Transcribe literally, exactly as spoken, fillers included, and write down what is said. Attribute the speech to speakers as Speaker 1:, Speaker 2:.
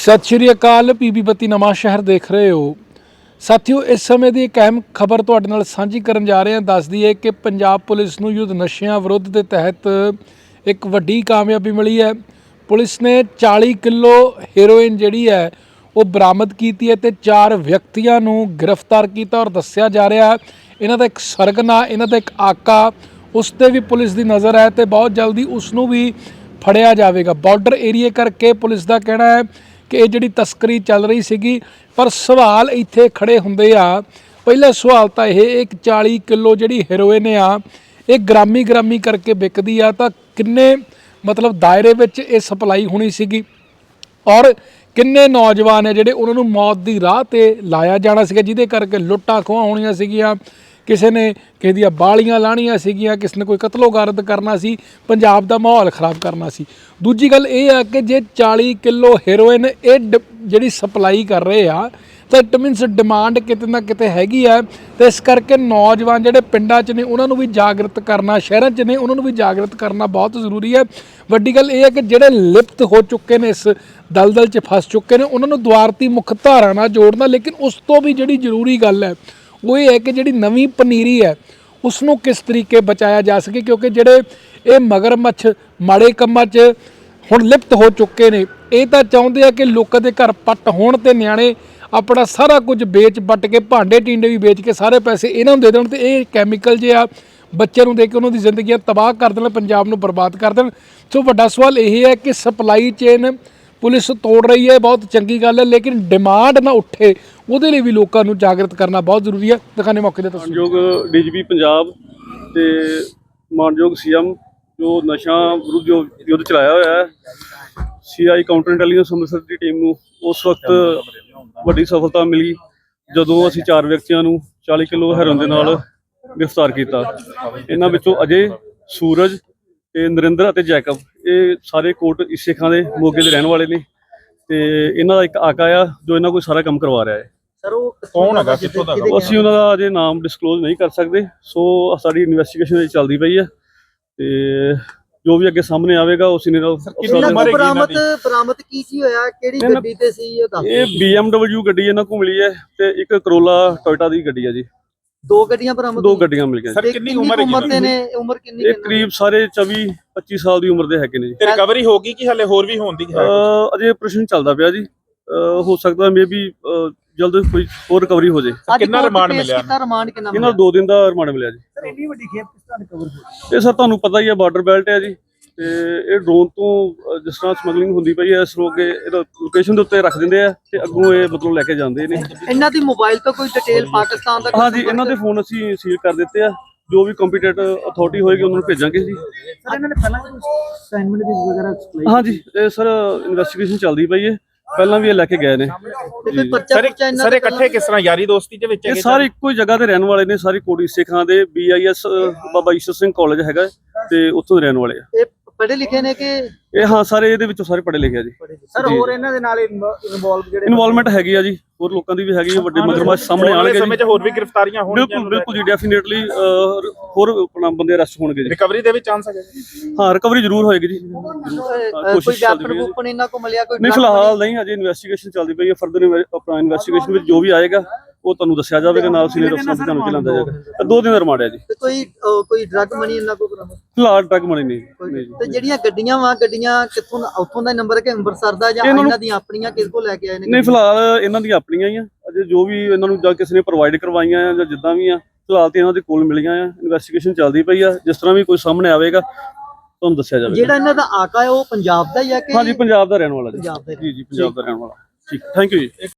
Speaker 1: सत श्री अकाल। पीबी बत्ती नवां शहर देख रहे हो साथियों। इस समय की एक अहम खबर तुहाडे नाल सांझी करन जा रहे हैं। दस दईए कि पंजाब पुलिस नूं युद्ध नशियां विरुद्ध के तहत एक वड्डी कामयाबी मिली है। पुलिस ने चालीस किलो हेरोइन जिहड़ी है वो बरामद की है ते चार व्यक्तियों नूं गिरफ्तार किया और दस्सिया जा रहा है इन्हां दा एक सरगना, इन्हां दा एक आका, उस ते भी पुलिस की नज़र है तो बहुत जल्दी उसनूं भी फड़िया जाएगा। बॉर्डर एरिए करके पुलिस का कहना है कि ये जिहड़ी तस्करी चल रही सीगी, पर सवाल इत्थे खड़े हुंदे आ। पहला सवाल तो यह एक चालीस किलो जिहड़ी हेरोइन आ ये ग्रामी ग्रामी करके विकदी आ तां किन्ने मतलब दायरे विच ये सप्लाई होनी सीगी और किन्ने नौजवान है जिहड़े उन्हां नूं मौत की राह ते लाया जाना सीगा, जिहदे करके लुट्टां खोहां होणीआं सीगीआं, किसी ने किसी दी बालियां लाणीआं सीगीआं, किसी ने कोई कतलो-गारत करना सी, पंजाब दा माहौल खराब करना सी। दूजी गल ये आ कि जे चालीस किलो हेरोइन ये जिहड़ी सप्लाई कर रहे आ तो इट मीनस डिमांड किते ना किते हैगी है। तो इस करके नौजवान जिहड़े पिंडां च ने उन्हां नूं भी जागृत करना, शहरां च ने उन्हां नूं भी जागृत करना बहुत जरूरी है। वड्डी गल ये है कि जिहड़े लिप्त हो चुके ने, इस दलदल च फस चुके ने, उन्हां नूं दुआरती मुख धारा नाल जोड़ना। लेकिन उस तो भी जिहड़ी जरूरी गल है वो ये है कि जिहड़ी नवीं पनीरी है उसनूं किस तरीके बचाया जा सके, क्योंकि जिहड़े ये मगरमच्छ माड़े कंमां च हुण लिप्त हो चुके ने ये तो चाहुंदे आ कि लोकां दे घर पट होण ते नियाणे अपना सारा कुछ बेच बट के, भांडे टींडे भी बेच के सारे पैसे इन्हां नूं दे देण ते ये कैमिकल जे आ बच्चे नूं दे के उन्हां दी जिंदगी तबाह कर देण, पंजाब नूं बर्बाद कर देण। सो वड्डा सवाल यही है कि सप्लाई चेन पुलिस तोड़ रही है, बहुत चंगी गल है, लेकिन डिमांड ना उठे ਉਹਦੇ ਲਈ भी लोगों को जागृत करना बहुत जरूरी है। दिखाने मौके ਦੇ ਤਸਵੀਰ
Speaker 2: मानयोग डी जी पी पंजाब ਤੇ ਮਾਨਯੋਗ ਸੀ ਐਮ जो नशा विरुद्ध जो युद्ध चलाया होया है, C I counter intelligence Amritsar ਦੀ ਟੀਮ ਨੂੰ ਉਸ ਵਕਤ ਵੱਡੀ ਸਫਲਤਾ ਮਿਲੀ ਜਦੋਂ ਅਸੀਂ ਚਾਰ ਵਿਅਕਤੀਆਂ ਨੂੰ ਚਾलीस ਕਿਲੋ ਹੈਰੋਇਨ ਦੇ ਨਾਲ ਗ੍ਰਿਫਤਾਰ ਕੀਤਾ। ਇਹਨਾਂ ਵਿੱਚੋਂ ਅਜੇ, ਸੂਰਜ ਤੇ ਨਰਿੰਦਰ ਅਤੇ ਜੈਕਬ ਇਹ ਸਾਰੇ ਕੋਟ ਇਸੇ ਖਾਂ ਦੇ ਮੋਗੇ ਦੇ ਰਹਿਣ ਵਾਲੇ ਨੇ ਤੇ ਇਹਨਾਂ ਦਾ ਇੱਕ ਆਕਾ ਆ ਜੋ ਇਹਨਾਂ ਕੋਲ ਸਾਰਾ ਕੰਮ ਕਰਵਾ ਰਿਹਾ ਹੈ।
Speaker 3: सर वो कौन है, कित्थों दा?
Speaker 2: ਅਸੀਂ ਉਹਨਾਂ ਦਾ ਅਜੇ ਨਾਮ ਡਿਸਕਲੋਜ਼ ਨਹੀਂ ਕਰ ਸਕਦੇ। ਸੋ ਸਾਡੀ ਇਨਵੈਸਟੀਗੇਸ਼ਨ ਚੱਲਦੀ ਪਈ ਹੈ ਤੇ ਜੋ ਵੀ ਅੱਗੇ ਸਾਹਮਣੇ ਆਵੇਗਾ ਉਸੇ ਨੇ
Speaker 3: ਬਰਾਮਦ ਬਰਾਮਦ ਕੀ ਕੀ ਹੋਇਆ, ਕਿਹੜੀ ਗੱਡੀ ਤੇ ਸੀ ਇਹ ਦੱਸ।
Speaker 2: ਇਹ ਬੀ ਐਮ ਡਬਲਯੂ ਗੱਡੀ ਇਹਨਾਂ ਕੋਲ ਮਿਲੀ ਹੈ ਤੇ ਇੱਕ ਕਰੋਲਾ ਟੋਇਟਾ ਦੀ ਗੱਡੀ ਹੈ ਜੀ।
Speaker 3: ਦੋ ਗੱਡੀਆਂ ਬਰਾਮਦ
Speaker 2: ਦੋ ਗੱਡੀਆਂ ਮਿਲ ਗਈਆਂ।
Speaker 3: ਸਰ ਕਿੰਨੀ ਉਮਰ ਹੈ ਨੇ? ਉਮਰ ਕਿੰਨੀ?
Speaker 2: ਇਹ ਕਰੀਬ ਸਾਰੇ ਚੌਵੀ ਪੱਚੀ ਸਾਲ ਦੀ ਉਮਰ ਦੇ ਹੈਗੇ ਨੇ ਜੀ।
Speaker 4: ਤੇ ਰਿਕਵਰੀ ਹੋ ਗਈ ਕਿ ਹਲੇ ਹੋਰ ਵੀ ਹੋਣ ਦੀ ਹੈ?
Speaker 2: ਅਜੇ ਆਪਰੇਸ਼ਨ ਚੱਲਦਾ ਪਿਆ ਜੀ, ਹੋ ਸਕਦਾ ਮੇ ਵੀ ਜਲਦ ਕੋਈ ਹੋਰ ਰਿਕਵਰੀ ਹੋ ਜੇ।
Speaker 4: ਕਿੰਨਾ ਰਿਮਾਂਡ ਮਿਲਿਆ?
Speaker 3: ਰਿਮਾਂਡ ਕਿੰਨਾ
Speaker 2: ਇਹਨਾਂ ਦੋ ਦਿਨ ਦਾ ਰਿਮਾਂਡ ਮਿਲਿਆ ਜੀ।
Speaker 3: ਸਰ ਇੰਨੀ ਵੱਡੀ ਖੇਪ ਕਿਸ ਤਰ੍ਹਾਂ ਰਿਕਵਰ ਹੋਈ?
Speaker 2: ਇਹ ਸਰ ਤੁਹਾਨੂੰ ਪਤਾ ਹੀ ਹੈ ਬਾਰਡਰ ਬੈਲਟ ਹੈ ਜੀ ਤੇ ਇਹ ਡਰੋਨ ਤੋਂ ਜਿਸ ਤਰ੍ਹਾਂ ਸਮਗਲਿੰਗ ਹੁੰਦੀ ਪਈ ਹੈ ਇਸ ਰੋਕੇ ਇਹਦਾ ਲੋਕੇਸ਼ਨ ਦੇ ਉੱਤੇ ਰੱਖ ਦਿੰਦੇ ਆ ਤੇ ਅੱਗੋਂ ਇਹ ਮਤਲਬ ਲੈ ਕੇ ਜਾਂਦੇ ਨੇ।
Speaker 3: ਇਹਨਾਂ ਦੀ ਮੋਬਾਈਲ ਤੋਂ ਕੋਈ ਡਿਟੇਲ ਪਾਕਿਸਤਾਨ ਦਾ?
Speaker 2: ਹਾਂ ਜੀ, ਇਹਨਾਂ ਦੇ ਫੋਨ ਅਸੀਂ ਸੀਲ ਕਰ ਦਿੱਤੇ ਆ। ਜੋ ਵੀ ਕੰਪੀਟੈਂਟ ਅਥਾਰਟੀ ਹੋਏਗੀ ਉਹਨਾਂ ਨੂੰ ਭੇਜਾਂਗੇ ਜੀ।
Speaker 3: ਸਰ ਇਹਨਾਂ ਨੇ ਪਹਿਲਾਂ ਅਸਾਈਨਮੈਂਟ ਦੀ ਵਗੈਰਾ ਐਕਸਪਲੇਨ?
Speaker 2: ਹਾਂ ਜੀ, ਇਹ ਸਰ ਇਨਵੈਸਟੀਗੇਸ਼ਨ ਚੱਲਦੀ ਪਈ ਹੈ, ਪਹਿਲਾਂ ਵੀ ਇਹ ਲੈ ਕੇ ਗਏ ਨੇ।
Speaker 4: ਸਰ ਇਕੱਠੇ ਕਿਸ ਤਰ੍ਹਾਂ ਯਾਰੀ ਦੋਸਤੀ ਦੇ ਵਿੱਚ?
Speaker 2: ਇਹ ਸਾਰੇ ਇੱਕੋ ਹੀ ਜਗ੍ਹਾ ਤੇ ਰਹਿਣ ਵਾਲੇ ਨੇ, ਸਾਰੇ ਕੋਟੀ ਸਿੱਖਾਂ ਦੇ B I S Baba Ishar Singh college ਹੈਗਾ ਤੇ ਉੱਥੋਂ ਦੇ ਰਹਿਣ ਵਾਲੇ ਆ।
Speaker 3: ਇਹ ਪੜ੍ਹੇ ਲਿਖੇ ਨੇ ਕਿ?
Speaker 2: ਇਹ ਹਾਂ ਸਾਰੇ ਇਹਦੇ ਵਿੱਚੋਂ ਸਾਰੇ ਪੜ੍ਹੇ ਲਿਖੇ ਆ ਜੀ।
Speaker 3: ਸਰ ਹੋਰ ਇਹਨਾਂ ਦੇ ਨਾਲ ਇਨਵੋਲਵ ਜਿਹੜੇ
Speaker 2: ਇਨਵੋਲਵਮੈਂਟ ਹੈਗੀ ਆ ਜੀ, ਹੋਰ ਲੋਕਾਂ ਦੀ ਵੀ ਹੈਗੀ ਆ। ਵੱਡੇ ਮਗਰਮੱਛ ਸਾਹਮਣੇ ਆਣਗੇ
Speaker 4: ਸਮੇਂ 'ਚ ਹੋਰ ਵੀ ਗ੍ਰਿਫਤਾਰੀਆਂ ਹੋਣਗੀਆਂ?
Speaker 2: ਬਿਲਕੁਲ ਬਿਲਕੁਲ ਜੀ, ਡੈਫੀਨੇਟਲੀ ਹੋਰ ਆਪਣਾ ਬੰਦੇ ਅਰੈਸਟ ਹੋਣਗੇ ਜੀ।
Speaker 4: ਰਿਕਵਰੀ ਦੇ ਵਿੱਚ ਚਾਂਸ ਹੈਗਾ?
Speaker 2: ਹਾਂ, ਰਿਕਵਰੀ ਜ਼ਰੂਰ ਹੋਏਗੀ ਜੀ।
Speaker 3: ਕੋਈ ਵੈਪਨ ਵੂਪਨ ਇਹਨਾਂ ਕੋਲ ਮਿਲਿਆ? ਕੋਈ
Speaker 2: ਨਹੀਂ ਫਿਲਹਾਲ ਨਹੀਂ, ਅਜੇ ਇਨਵੈਸਟੀਗੇਸ਼ਨ ਚੱਲਦੀ ਪਈ ਹੈ। ਫਰਦਰ ਆਪਣਾ ਇਨਵੈਸਟੀਗੇਸ਼ਨ ਵਿੱਚ ਜੋ ਵੀ ਆਏਗਾ ਉਹ ਤੁਹਾਨੂੰ ਦੱਸਿਆ ਜਾਵੇਗਾ, ਨਾਲ ਸੀਨੀਅਰ ਅਫਸਰਾਂ ਨੂੰ ਤੁਹਾਨੂੰ ਚਲਾਉਂਦਾ ਜਾਏਗਾ। ਦੋ ਦਿਨ ਦਾ ਰਿਮਾਂਡ ਹੈ ਜੀ।
Speaker 3: ਕੋਈ ਕੋਈ ਡਰੱਗ ਮਨੀ ਇਹਨਾਂ ਕੋਲ ਬਰਾਮਦ?
Speaker 2: ਫਿਲਹਾਲ ਡਰੱਗ ਮਨੀ ਨਹੀਂ ਜੀ।
Speaker 3: ਤੇ ਜਿਹੜੀਆਂ ਗੱਡੀਆਂ ਵਾ, ਗੱਡੀਆਂ ਕਿੱਥੋਂ ਉੱਥੋਂ ਦਾ ਨੰਬਰ ਕਿ ਅੰਮ੍ਰਿਤਸਰ ਦਾ ਜਾਂ ਇਹਨਾਂ ਦੀਆਂ ਆਪਣੀਆਂ ਕਿਸ ਕੋਲ ਲੈ ਕੇ ਆਏ ਨੇ?
Speaker 2: ਨਹੀਂ ਫਿਲਹਾਲ ਇਹਨਾਂ ਦੀਆਂ ਆਪਣੀਆਂ ਹੀ ਆ। ਅਜੇ ਜੋ ਵੀ ਇਹਨਾਂ ਨੂੰ ਜਾਂ ਕਿਸੇ ਨੇ ਪ੍ਰੋਵਾਈਡ ਕਰਵਾਈਆਂ ਜਾਂ ਜਿੱਦਾਂ ਵੀ ਆ, ਫਿਲਹਾਲ ਤੇ ਇਹਨਾਂ ਦੇ ਕੋਲ ਮਿਲੀਆਂ ਆ। ਇਨਵੈਸਟੀਗੇਸ਼ਨ ਚੱਲਦੀ ਪਈ ਆ, ਜਿਸ ਤਰ੍ਹਾਂ ਵੀ ਕੋਈ ਸਾਹਮਣੇ ਆਵੇਗਾ ਤੁਹਾਨੂੰ ਦੱਸਿਆ ਜਾਵੇਗਾ।
Speaker 3: ਜਿਹੜਾ ਇਹਨਾਂ ਦਾ ਆਕਾ ਹੈ ਉਹ ਪੰਜਾਬ ਦਾ ਹੀ ਆ ਕਿ?
Speaker 2: ਹਾਂਜੀ, ਪੰਜਾਬ ਦਾ ਰਹਿਣ ਵਾਲਾ ਜੀ।
Speaker 3: ਪੰਜਾਬ ਦਾ
Speaker 2: ਜੀ ਜੀ, ਪੰਜਾਬ ਦਾ ਰਹਿਣ ਵਾਲਾ। ਠੀਕ, ਥੈਂਕ ਯੂ ਜੀ।